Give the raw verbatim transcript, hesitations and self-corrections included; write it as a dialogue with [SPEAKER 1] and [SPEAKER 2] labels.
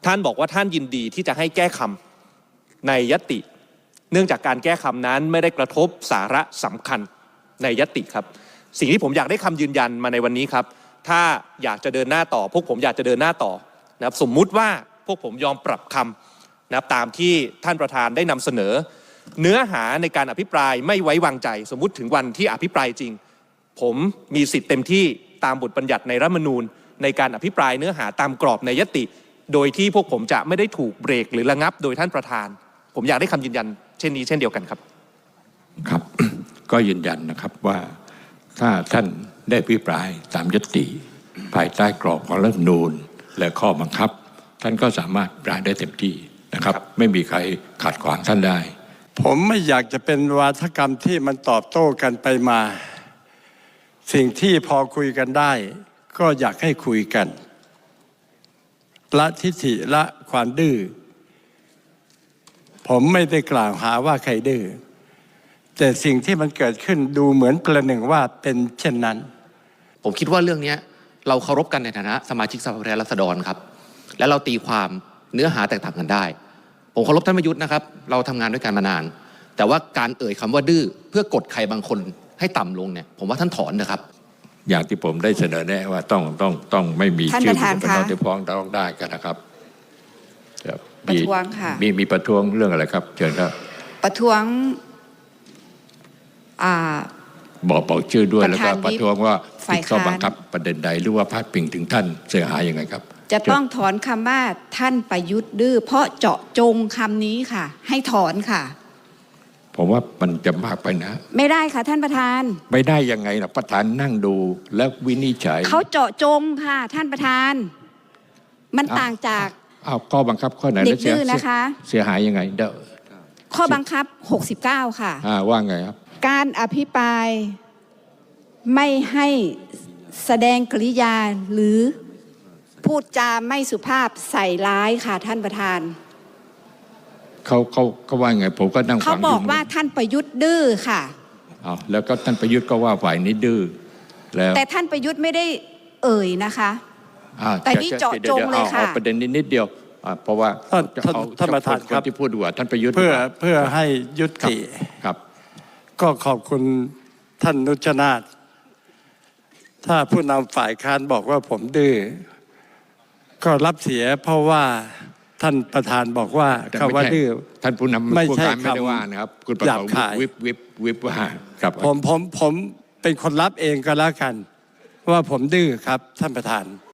[SPEAKER 1] ท่านบอกว่าท่านยินดีที่จะให้แก้คำในยติ เนื่องจากการแก้คำนั้นไม่ได้กระทบสาระสำคัญในยติครับสิ่งที่ผมอยากได้คำยืนยันมาในวันนี้ครับถ้าอยากจะเดินหน้าต่อพวกผมอยากจะเดินหน้าต่อนะครับสมมุติว่าพวกผมยอมปรับคำนะครับตามที่ท่านประธานได้นำเสนอเนื้อหาในการอภิปรายไม่ไว้วางใจสมมุติถึงวันที่อภิปรายจริงผมมีสิทธิ์เต็มที่ตามบทบัญญัติในรัฐธรรมนูญในการอภิปรายเนื้อหาตามกรอบในยติโดยที่พวกผมจะไม่ได้ถูกเบรกหรือระงับโดยท่านประธานผมอยากได้คำยืนยันเช่นนี้เช่นเดียวกันครับ
[SPEAKER 2] ครับ ก็ยืนยันนะครับว่าถ้าท่านได้อภิปรายตามยติภายใต้กรอบของรัฐธรรมนูญและข้อบังคับท่านก็สามารถอภิปรายได้เต็มที่นะครับไม่มีใครขัดขวางท่านได้
[SPEAKER 3] ผมไม่อยากจะเป็นวาทกรรมที่มันตอบโต้กันไปมาสิ่งที่พอคุยกันได้ก็อยากให้คุยกันละทิฐิละความดื้อผมไม่ได้กล่าวหาว่าใครดื้อแต่สิ่งที่มันเกิดขึ้นดูเหมือนประหนึ่งว่าเป็นเช่นนั้น
[SPEAKER 4] ผมคิดว่าเรื่องนี้เราเคารพกันในฐานะสมาชิกสภาผู้แทนราษฎรครับและเราตีความเนื้อหาแตกต่างกันได้ผมเคารพท่านประยุทธ์นะครับเราทำงานด้วยกันมานานแต่ว่าการเอ่ยคำว่าดื้อเพื่อกดใครบางคนให้ต่ำลงเนี่ยผมว่าท่านถอนนะครับ
[SPEAKER 2] อย่างที่ผมได้เสนอแนะว่าต้องต้องต้องไม่มีชื่อเป็นน้องที่ฟ้องร้องได้กันนะครับ
[SPEAKER 5] ประท้วงค่ะ
[SPEAKER 2] มีมีประท้วงเรื่องอะไรครับเชิญครับ
[SPEAKER 5] ประท้วงอ่า
[SPEAKER 2] บอกบอกชื่อด้วยแล้วก็ประท้วงว่าผิดข้อบังคับประเด็นใดหรือว่าพาดพิงถึงท่านเสียหายยังไงครับ
[SPEAKER 5] จะต้องถอนคำว่าท่านประยุทธ์ดื้อเพราะเจาะจงคำนี้ค่ะให้ถอนค่ะ
[SPEAKER 2] ผมว่ามันจะมากไปนะ
[SPEAKER 5] ไม่ได้ค่ะท่านประธาน
[SPEAKER 2] ไม่ได้ยังไงนะประธานนั่งดูแล้ววินิจฉัย
[SPEAKER 5] เขาเจาะจงค่ะท่านประธานมันต่างจาก
[SPEAKER 2] อ้าวข้อบังคับข้อไหน
[SPEAKER 5] เด็กดื้อนะคะ
[SPEAKER 2] เสียหายยังไงเด้อ
[SPEAKER 5] ข้อบังคับหกสิบเก้าค่ะ
[SPEAKER 2] อ่าว่าไงครับ
[SPEAKER 5] การอภิปรายไม่ให้แสดงกริยาหรือพูดจาไม่สุภาพใส่ร้ายค่ะท่านประธาน
[SPEAKER 2] เขาเขาเขาว่าไงผมก็นั่งฟัง
[SPEAKER 5] เขาบอกว่าท่านประยุทธ์ดื้อค่ะ
[SPEAKER 2] อ้าวแล้วก็ท่านประยุทธ์ก็ว่าฝ่ายนี้ดื้อแล้ว
[SPEAKER 5] แต่ท่านประยุทธ์ไม่ได้เอ่ยนะคะแต่นี่เจาะจงเลยค่ะ
[SPEAKER 2] ประเด็นนี้นิดเดียวเพราะว่า
[SPEAKER 3] ท่านประธานครับ
[SPEAKER 2] ที่พูดว่าท่านประยุทธ์
[SPEAKER 3] เพื่อเพื่อให้ยุติ
[SPEAKER 2] ครับ
[SPEAKER 3] ก็ขอบคุณท่านนุชนาถถ้าผู้นำฝ่ายค้านบอกว่าผมดื้อก็รับเสียเพราะว่าท่านประธานบอกว่าคำว่าดื้อ
[SPEAKER 2] ท่านผู้นำไม่ใช่ไม่ได้ว่านะครับคุณประธานวิบวิบวิบว่า
[SPEAKER 3] ครับผมผมผมเป็นคนรับเองก็แล้วกันว่าผมดื้อครับท่านประธาน